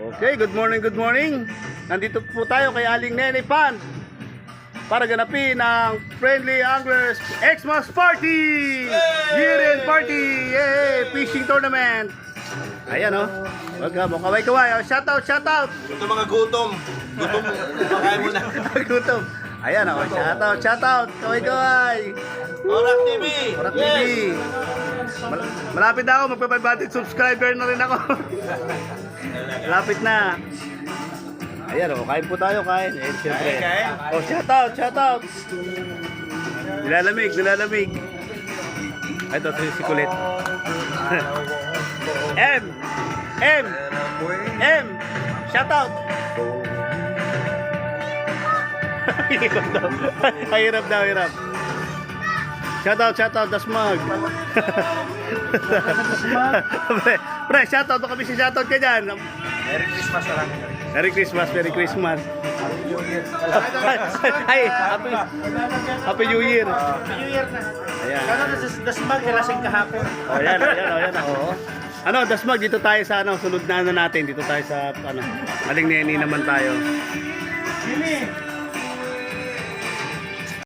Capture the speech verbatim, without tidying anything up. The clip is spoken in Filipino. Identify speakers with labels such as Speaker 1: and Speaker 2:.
Speaker 1: Okay, good morning, good morning. Nandito po tayo kay Aling Nene Pan para ganapin ang Friendly Anglers Xmas Party! Year-end party! Yay! Fishing tournament! Ayan o. Oh. Wag ka mo, kaway-kaway. Oh, shout out, shout out!
Speaker 2: Ito mga gutom. Gutom. Makain mo na.
Speaker 1: Gutom. Ayan o. Oh, shout out, shout out! Kaway-kaway!
Speaker 2: Orak T V!
Speaker 1: Orak T V! Mal malapit na ako. Magpa-five hundred subscriber na rin ako. Malapit na. Ayan o. Oh, kain po tayo, kain. Eh, siyempre.
Speaker 2: Kain, kain.
Speaker 1: Oh, shout out, shout out! Nilalamig, nilalamig. Ito, ito si Kulit. M! M! M! Shout out! Hirap daw. Hirap daw, hirap. Shout out, shout out, Dasmag. pre, pre, shout out. Kami si shout out ka dyan.
Speaker 2: Merry Christmas na lang.
Speaker 1: Merry Christmas, Merry Christmas. Ay, happy, happy New Year.
Speaker 2: Happy New Year na.
Speaker 1: Ayan.
Speaker 2: Kano na sa Dasmag, kalasing kahapon.
Speaker 1: Oh, ayan, ayan, oh, ayan, oh. Ano, Dasmag, dito tayo sa ano, sunod na ano natin, dito tayo sa ano, Aling Nene naman tayo.
Speaker 2: Sini.